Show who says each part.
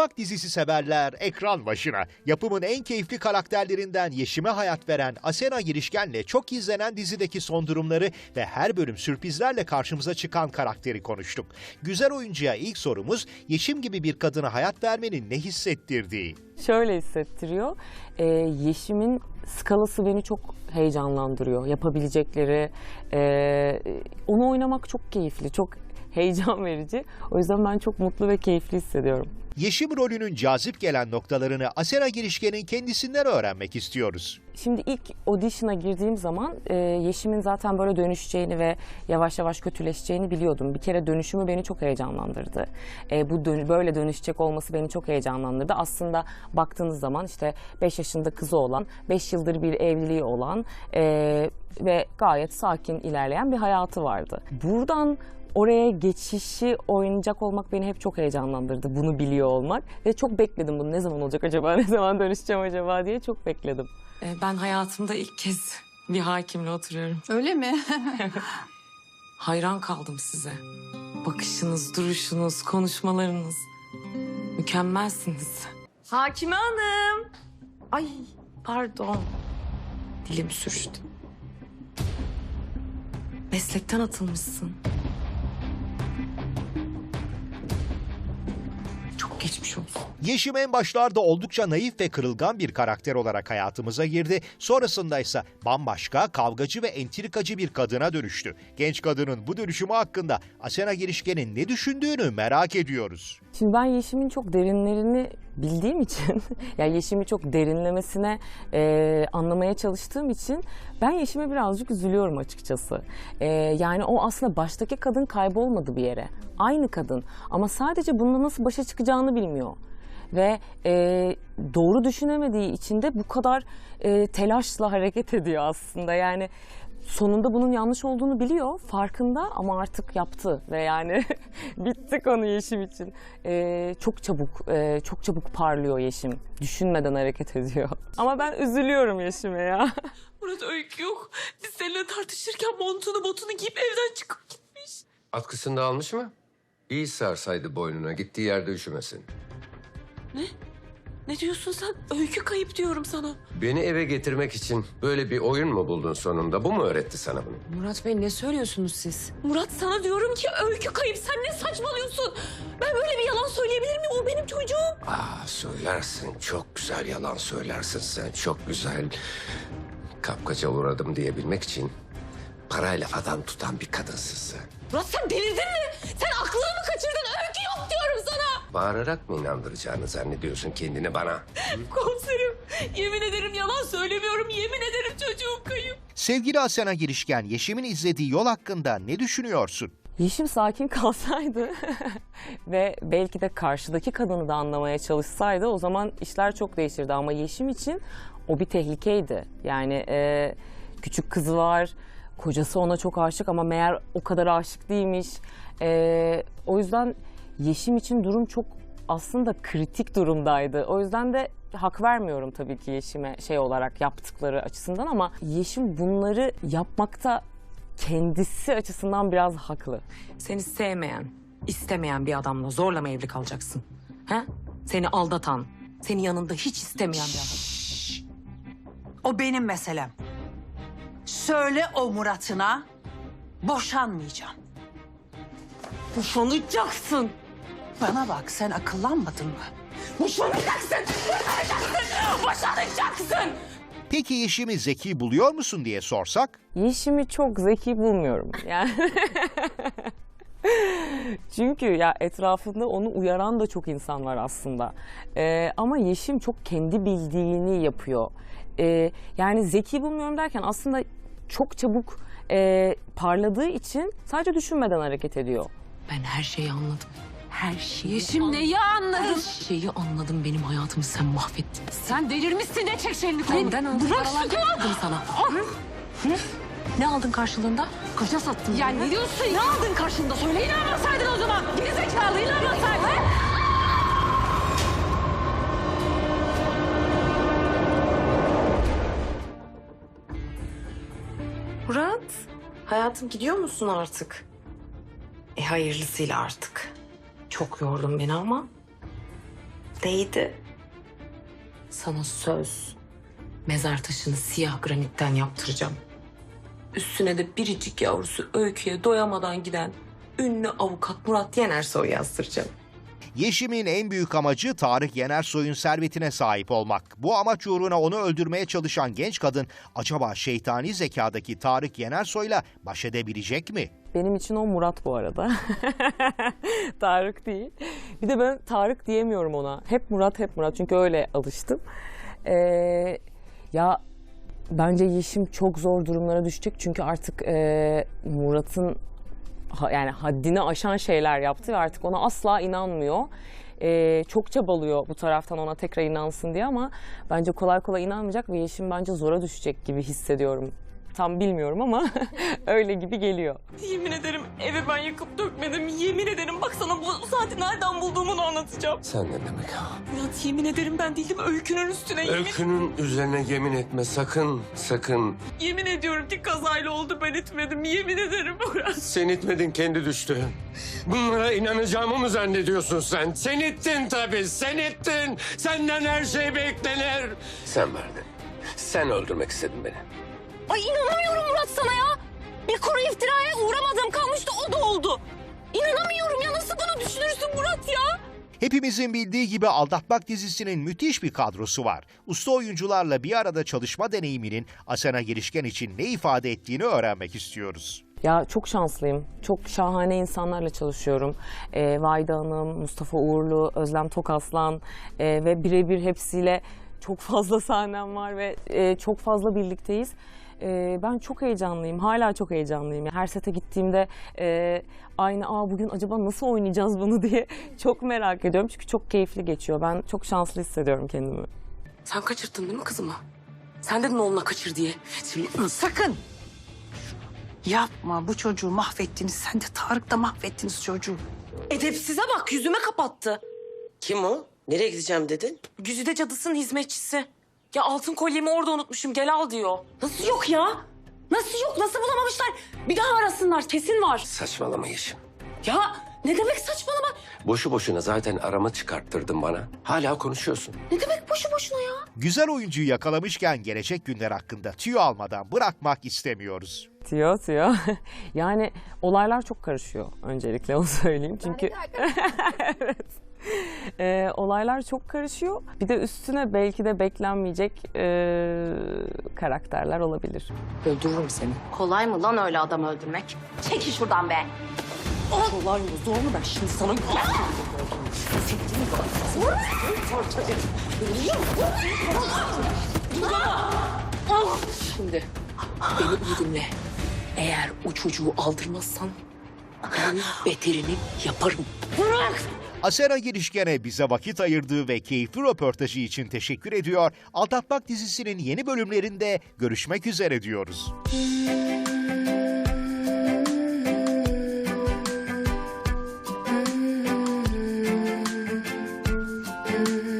Speaker 1: Mutfak dizisi severler ekran başına. Yapımın en keyifli karakterlerinden Yeşim'e hayat veren Asena Girişken'le çok izlenen dizideki son durumları ve her bölüm sürprizlerle karşımıza çıkan karakteri konuştuk. Güzel oyuncuya ilk sorumuz Yeşim gibi bir kadına hayat vermenin ne hissettirdiği.
Speaker 2: Şöyle hissettiriyor. Yeşim'in skalası beni çok heyecanlandırıyor. Yapabilecekleri, onu oynamak çok keyifli, çok heyecan verici. O yüzden ben çok mutlu ve keyifli hissediyorum.
Speaker 1: Yeşim rolünün cazip gelen noktalarını Asena Girişken'in kendisinden öğrenmek istiyoruz.
Speaker 2: Şimdi ilk audition'a girdiğim zaman Yeşim'in zaten böyle dönüşeceğini ve yavaş yavaş kötüleşeceğini biliyordum. Bir kere dönüşümü beni çok heyecanlandırdı. Böyle dönüşecek olması beni çok heyecanlandırdı. Aslında baktığınız zaman işte 5 yaşında kızı olan, 5 yıldır bir evliliği olan ve gayet sakin ilerleyen bir hayatı vardı. Buradan oraya geçişi oynayacak olmak beni hep çok heyecanlandırdı. Bunu biliyor olmak. Ve çok bekledim bunu. Ne zaman olacak acaba? Ne zaman dönüşeceğim acaba diye çok bekledim. Ben hayatımda ilk kez bir hakimle oturuyorum.
Speaker 3: Öyle mi?
Speaker 2: Hayran kaldım size. Bakışınız, duruşunuz, konuşmalarınız. Mükemmelsiniz. Hakime Hanım. Ay pardon. Dilim sürçtü. Meslekten atılmışsın. Çok geçmiş olsun.
Speaker 1: Yeşim en başlarda oldukça naif ve kırılgan bir karakter olarak hayatımıza girdi. Sonrasında ise bambaşka, kavgacı ve entrikacı bir kadına dönüştü. Genç kadının bu dönüşümü hakkında Asena Girişken'in ne düşündüğünü merak ediyoruz.
Speaker 2: Şimdi ben Yeşim'in çok derinlerini bildiğim için, yani Yeşim'i çok derinlemesine anlamaya çalıştığım için ben Yeşim'e birazcık üzülüyorum açıkçası. Yani o aslında baştaki kadın kaybolmadı bir yere. Aynı kadın ama sadece bununla nasıl başa çıkacağını bilmiyor. Ve doğru düşünemediği için de bu kadar telaşla hareket ediyor aslında. Yani sonunda bunun yanlış olduğunu biliyor, farkında ama artık yaptı ve yani bitti konu Yeşim için. Çok çabuk parlıyor Yeşim. Düşünmeden hareket ediyor. Ama ben üzülüyorum Yeşim'e ya.
Speaker 4: Murat öykü yok. Biz seninle tartışırken montunu botunu giyip evden çıkıp gitmiş.
Speaker 5: Atkısını da almış mı? İyi sarsaydı boynuna, gittiği yerde üşümesin.
Speaker 4: Ne? Ne diyorsun sen? Öykü kayıp diyorum sana.
Speaker 5: Beni eve getirmek için böyle bir oyun mu buldun sonunda? Bu mu öğretti sana bunu?
Speaker 4: Murat Bey ne söylüyorsunuz siz? Murat sana diyorum ki öykü kayıp. Sen ne saçmalıyorsun? Ben böyle bir yalan söyleyebilir miyim? O benim çocuğum.
Speaker 5: Söylersin. Çok güzel yalan söylersin sen. Çok güzel. Kapkaça uğradım diyebilmek için parayla falan tutan bir kadınsın sen.
Speaker 4: Murat sen delirdin mi? Sen aklını mı kaçırdın? Öykü yok diyorum sana.
Speaker 5: Bağırarak mı inandıracağını zannediyorsun kendini bana?
Speaker 4: Komiserim yemin ederim yalan söylemiyorum. Yemin ederim çocuğum kayıp.
Speaker 1: Sevgili Asena Girişken, Yeşim'in izlediği yol hakkında ne düşünüyorsun?
Speaker 2: Yeşim sakin kalsaydı ve belki de karşıdaki kadını da anlamaya çalışsaydı o zaman işler çok değişirdi. Ama Yeşim için o bir tehlikeydi. Yani küçük kızı var, kocası ona çok aşık ama meğer o kadar aşık değilmiş. O yüzden Yeşim için durum çok aslında kritik durumdaydı. O yüzden de hak vermiyorum tabii ki Yeşim'e şey olarak yaptıkları açısından ama Yeşim bunları yapmakta kendisi açısından biraz haklı.
Speaker 6: Seni sevmeyen, istemeyen bir adamla zorla mı evli kalacaksın? He? Seni aldatan, seni yanında hiç istemeyen bir adam.
Speaker 3: O benim meselem. Söyle o Murat'ına boşanmayacağım.
Speaker 6: Boşanacaksın.
Speaker 3: Bana bak sen akıllanmadın mı?
Speaker 4: Boşanacaksın. Boşanacaksın.
Speaker 1: Peki Yeşim'i zeki buluyor musun diye sorsak?
Speaker 2: Yeşim'i çok zeki bulmuyorum. Yani çünkü ya etrafında onu uyaran da çok insan var aslında. Ama Yeşim çok kendi bildiğini yapıyor. Yani zeki bulmuyorum derken aslında çok çabuk parladığı için sadece düşünmeden hareket ediyor.
Speaker 6: Ben her şeyi anladım. Her şeyi
Speaker 4: Yeşim neyi anladın?
Speaker 6: Her şeyi anladım. Benim hayatımı sen mahvettin.
Speaker 4: Sen delirmişsin. Ne çek şeyini koy.
Speaker 6: Benden aldığın
Speaker 4: Bırak
Speaker 6: paralar
Speaker 4: şunu.
Speaker 6: getirdim sana. Hı? Ne aldın karşılığında? Koca sattın.
Speaker 4: Ya ne diyorsun?
Speaker 6: Ne aldın karşılığında? Söyle.
Speaker 4: İnanmasaydın o zaman. Geri zekalı inanmasaydın.
Speaker 6: Murat, hayatım gidiyor musun artık? Hayırlısıyla artık. Çok yordun beni ama
Speaker 4: Neydi?
Speaker 6: Sana söz. Mezar taşını siyah granitten yaptıracağım. Üstüne de biricik yavrusu Öykü'ye doyamadan giden ünlü avukat Murat Yenersoy yazdıracağım.
Speaker 1: Yeşim'in en büyük amacı Tarık Yenersoy'un servetine sahip olmak. Bu amaç uğruna onu öldürmeye çalışan genç kadın acaba şeytani zekadaki Tarık Yenersoy'la baş edebilecek mi?
Speaker 2: Benim için o Murat bu arada. Tarık değil. Bir de ben Tarık diyemiyorum ona. Hep Murat, hep Murat. Çünkü öyle alıştım. Ya bence Yeşim çok zor durumlara düşecek. Çünkü artık Murat'ın yani haddini aşan şeyler yaptı ve artık ona asla inanmıyor. Çok çabalıyor bu taraftan ona tekrar inansın diye ama bence kolay kolay inanmayacak ve Yeşim bence zora düşecek gibi hissediyorum. Tam bilmiyorum ama öyle gibi geliyor.
Speaker 4: Yemin ederim evi ben yakıp dökmedim. Yemin ederim bak sana bu saati nereden bulduğumu da anlatacağım.
Speaker 5: Sen ne demek ha?
Speaker 4: Murat yemin ederim ben değildim. Öykünün üstüne
Speaker 5: Öykünün üzerine yemin etme sakın, sakın.
Speaker 4: yemin ediyorum ki kazayla oldu, ben etmedim. Yemin ederim Murat.
Speaker 5: Sen itmedin, kendi düştü. Bunlara inanacağımı mı zannediyorsun sen? Sen ittin tabii, sen ittin. Senden her şey beklenir. Sen verdin. Sen öldürmek istedin beni.
Speaker 4: Ay inanamıyorum Murat sana ya. Bir kuru iftiraya uğramadım kalmıştı, o da oldu. İnanamıyorum ya, nasıl bunu düşünürsün Murat ya?
Speaker 1: Hepimizin bildiği gibi Aldatmak dizisinin müthiş bir kadrosu var. Usta oyuncularla bir arada çalışma deneyiminin Asena Girişken için ne ifade ettiğini öğrenmek istiyoruz.
Speaker 2: Ya çok şanslıyım. Çok şahane insanlarla çalışıyorum. Vahide Hanım, Mustafa Uğurlu, Özlem Tokaslan ve birebir hepsiyle çok fazla sahnem var ve çok fazla birlikteyiz. Ben çok heyecanlıyım. Hala çok heyecanlıyım. Her sete gittiğimde aynı bugün acaba nasıl oynayacağız bunu diye çok merak ediyorum. Çünkü çok keyifli geçiyor. Ben çok şanslı hissediyorum kendimi.
Speaker 6: Sen kaçırttın değil mi kızımı? Sen dedin oğluna kaçır diye.
Speaker 3: Sakın. Yapma, bu çocuğu mahvettiniz. Sen de Tarık da mahvettiniz çocuğu.
Speaker 4: Edepsize bak, yüzüme kapattı.
Speaker 7: Kim o? Nereye gideceğim dedin?
Speaker 6: Güzide cadısının hizmetçisi. Ya altın kolyemi orada unutmuşum, gel al diyor.
Speaker 4: Nasıl yok ya? Nasıl yok? Nasıl bulamamışlar? Bir daha arasınlar, kesin var.
Speaker 5: Saçmalama Yeşim.
Speaker 4: Ya ne demek saçmalama?
Speaker 5: Boşu boşuna zaten aramı çıkarttırdın bana. Hala konuşuyorsun.
Speaker 4: Ne demek boşu boşuna ya?
Speaker 1: Güzel oyuncuyu yakalamışken gelecek günler hakkında tüyo almadan bırakmak istemiyoruz.
Speaker 2: Tüyo. Yani olaylar çok karışıyor öncelikle onu söyleyeyim. Çünkü evet. Olaylar çok karışıyor. Bir de üstüne belki de beklenmeyecek karakterler olabilir.
Speaker 6: Öldürürüm seni.
Speaker 4: Kolay mı lan öyle adam öldürmek? Çekil şuradan be.
Speaker 6: Kolay mı zor mu ben şimdi sana... Şimdi beni iyi dinle. Eğer o çocuğu aldırmazsan ben beterini yaparım.
Speaker 1: Asena Girişken'e bize vakit ayırdığı ve keyifli röportajı için teşekkür ediyor. Aldatmak dizisinin yeni bölümlerinde görüşmek üzere diyoruz.